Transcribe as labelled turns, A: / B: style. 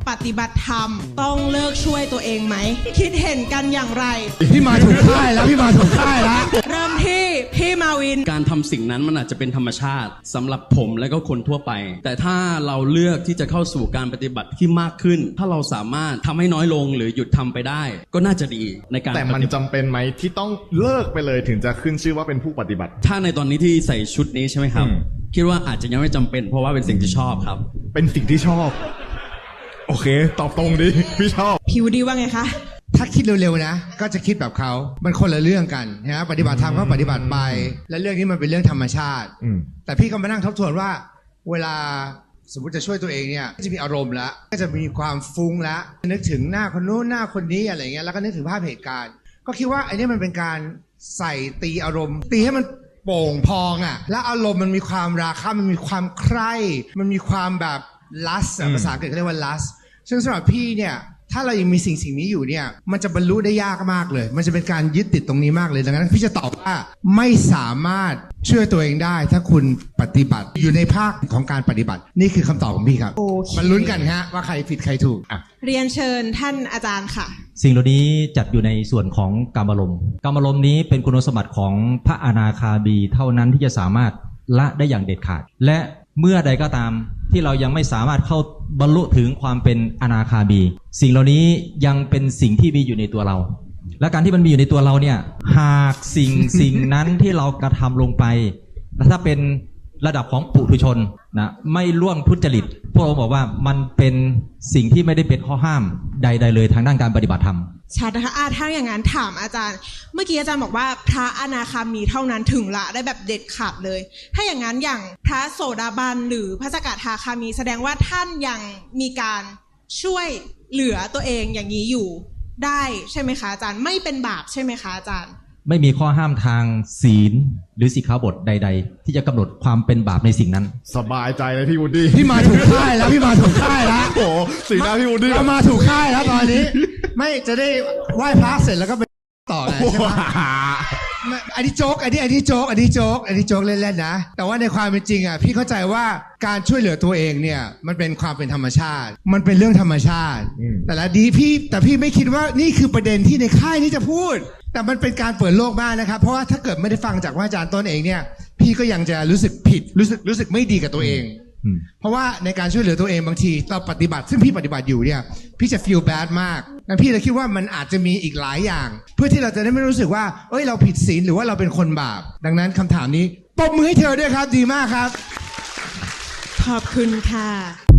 A: ปฏิบัติธรรมต้องเลิกช่วยตัวเองไหมคิดเห็นกันอย่างไร
B: พี่มาถูกค่ายแล้วพี่มาถูกค่ายแล้ว
A: เริ่มที่พี่มาวิน
C: การทำสิ่งนั้นมันอาจจะเป็นธรรมชาติสำหรับผมและก็คนทั่วไปแต่ถ้าเราเลือกที่จะเข้าสู่การปฏิบัติที่มากขึ้นถ้าเราสามารถทำให้น้อยลงหรือหยุดทำไปได้ก็น่าจะดีในการ
D: แต่มันจำเป็นไหมที่ต้องเลิกไปเลยถึงจะขึ้นชื่อว่าเป็นผู้ปฏิบัติ
C: ถ้าในตอนนี้ที่ใส่ชุดนี้ใช่ไหมครับคิดว่าอาจจะยังไม่จำเป็นเพราะว่าเป็นสิ่งที่ชอบครับ
D: เป็นสิ่งที่ชอบโอเคตอบตรงดิพี่ชอบ
A: ผิวดีว่าไงคะ
B: ถ้าคิดเร็วๆนะก็จะคิดแบบเขามันคนละเรื่องกันนะปฏิบัติธรรมก็ปฏิบัติไปและเรื่องนี้มันเป็นเรื่องธรรมชาติแต่พี่ก็มานั่งทบทวนว่าเวลาสมมติจะช่วยตัวเองเนี่ยจะมีอารมณ์แล้วก็จะมีความฟุ้งแล้วนึกถึงหน้าคนนู้นหน้าคนนี้อะไรเงี้ยแล้วก็นึกถึงภาพเหตุการณ์ก็คิดว่าไอ้นี่มันเป็นการใส่ตีอารมณ์ตีให้มันโป่งพองอ่ะและอารมณ์มันมีความราคะมันมีความใคร่มันมีความแบบlust ภาษาอังกฤษเขาเรียกว่า lust ซึ่งสำหรับพี่เนี่ยถ้าเรายังมีสิ่งนี้อยู่เนี่ยมันจะบรรลุได้ยากมากเลยมันจะเป็นการยึดติดตรงนี้มากเลยดังนั้นพี่จะตอบว่าไม่สามารถช่วยตัวเองได้ถ้าคุณปฏิบัติอยู่ในภาคของการปฏิบัตินี่คือคำตอบของพี่ครับมันลุ้นกันฮะว่าใครผิดใครถูก
A: เรียนเชิญท่านอาจารย์ค่ะ
E: สิ่งเหล่านี้จัดอยู่ในส่วนของกามารมณ์กามารมณ์นี้เป็นคุณสมบัติของพระอนาคามีเท่านั้นที่จะสามารถละได้อย่างเด็ดขาดและเมื่อใดก็ตามที่เรายังไม่สามารถเข้าบรรลุถึงความเป็นอนาคามีสิ่งเหล่านี้ยังเป็นสิ่งที่มีอยู่ในตัวเราและการที่มันมีอยู่ในตัวเราเนี่ยหากสิ่งนั้นที่เรากระทำลงไปถ้าเป็นระดับของปุถุชนนะไม่ล่วงทุจริตพวกเราบอกว่ามันเป็นสิ่งที่ไม่ได้เป็นข้อห้ามใดๆเลยทางด้านการปฏิบัติธรรม
A: ชัดนะคะถ้าอย่างนั้นถามอาจารย์เมื่อกี้อาจารย์บอกว่าพระอนาคามีเท่านั้นถึงละได้แบบเด็ดขาดเลยถ้าอย่างนั้นอย่างพระโสดาบันหรือพระสกทาคามีแสดงว่าท่านยังมีการช่วยเหลือตัวเองอย่างนี้อยู่ได้ใช่ไหมคะอาจารย์ไม่เป็นบาปใช่ไหมคะอาจารย์
E: ไม่มีข้อห้ามทางศีลหรือสิกขาบทใดๆที่จะกำหนดความเป็นบาปในสิ่งนั้น
D: สบายใจเลยพี่วูดดี้
B: พี่มาถูกค่ายแล้วพี่มาถูกค่ายแล้ว
D: โอ้สีหน้าพี่วูดดี้
B: เรามาถูกค่ายแล้วตอนนี้ไม่จะได้ไหว้พระเสร็จแล้วก็ไปต่อไงใช่ไหมอันนี้โจ๊กอันนี้โจ๊กเล่นๆนะแต่ว่าในความเป็นจริงอ่ะพี่เข้าใจว่าการช่วยเหลือตัวเองเนี่ยมันเป็นความเป็นธรรมชาติมันเป็นเรื่องธรรมชาติแต่พี่ไม่คิดว่านี่คือประเด็นที่ในค่ายนี้จะพูดแต่มันเป็นการเปิดโลกมากนะครับเพราะว่าถ้าเกิดไม่ได้ฟังจากว่าอาจารย์ต้นเองเนี่ยพี่ก็ยังจะรู้สึกผิดรู้สึกไม่ดีกับตัวเองเพราะว่าในการช่วยเหลือตัวเองบางทีเราปฏิบัติซึ่งพี่ปฏิบัติอยู่เนี่ยพี่จะ feel bad มากงั้นพี่เลยคิดว่ามันอาจจะมีอีกหลายอย่างเพื่อที่เราจะได้ไม่รู้สึกว่าเอ้ยเราผิดศีลหรือว่าเราเป็นคนบาปดังนั้นคำถามนี้ปรบมือให้เธอด้วยครับดีมากครับ
A: ขอบคุณค่ะ